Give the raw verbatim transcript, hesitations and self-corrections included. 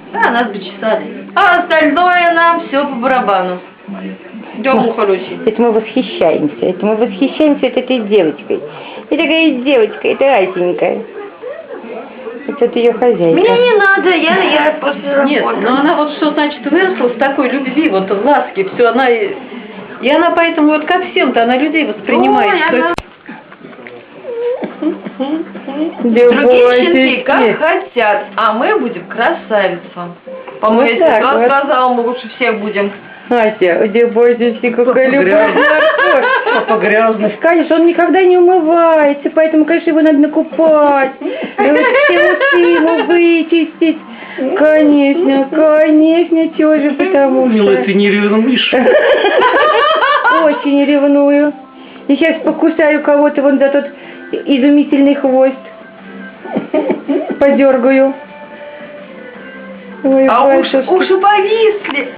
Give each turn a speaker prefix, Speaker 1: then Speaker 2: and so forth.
Speaker 1: Да, нас бы чесали. А остальное нам все по барабану. Идем у Харухи.
Speaker 2: Это мы восхищаемся. Это мы восхищаемся вот этой девочкой. И такая девочка, это Асенька. Это ее хозяйка.
Speaker 1: Мне не надо, я, я после работы.
Speaker 3: Нет, но она вот что значит выросла с такой любви, вот в ласке, все, она... И она поэтому вот ко всем-то, она людей воспринимает.
Speaker 1: Ой,
Speaker 3: что...
Speaker 1: она... Другие щенки как хотят, а мы будем красавицам. По-моему,
Speaker 2: Вот
Speaker 1: я
Speaker 2: так
Speaker 1: тебе
Speaker 2: вот.
Speaker 1: сказала, мы лучше всех будем.
Speaker 2: Ася, где бойтесь, какая любовь.
Speaker 3: Папа грязный.
Speaker 2: Конечно, он никогда не умывается, поэтому, конечно, его надо накупать. И вот все усы ему вычистить. Конечно, конечно, чего же, потому
Speaker 3: Милая, ты
Speaker 2: что...
Speaker 3: не ревнуешь?
Speaker 2: Очень ревную. И сейчас покусаю кого-то вон за тот изумительный хвост. Подергаю. Ой,
Speaker 1: А уши,
Speaker 2: батюшки.
Speaker 1: уши повисли.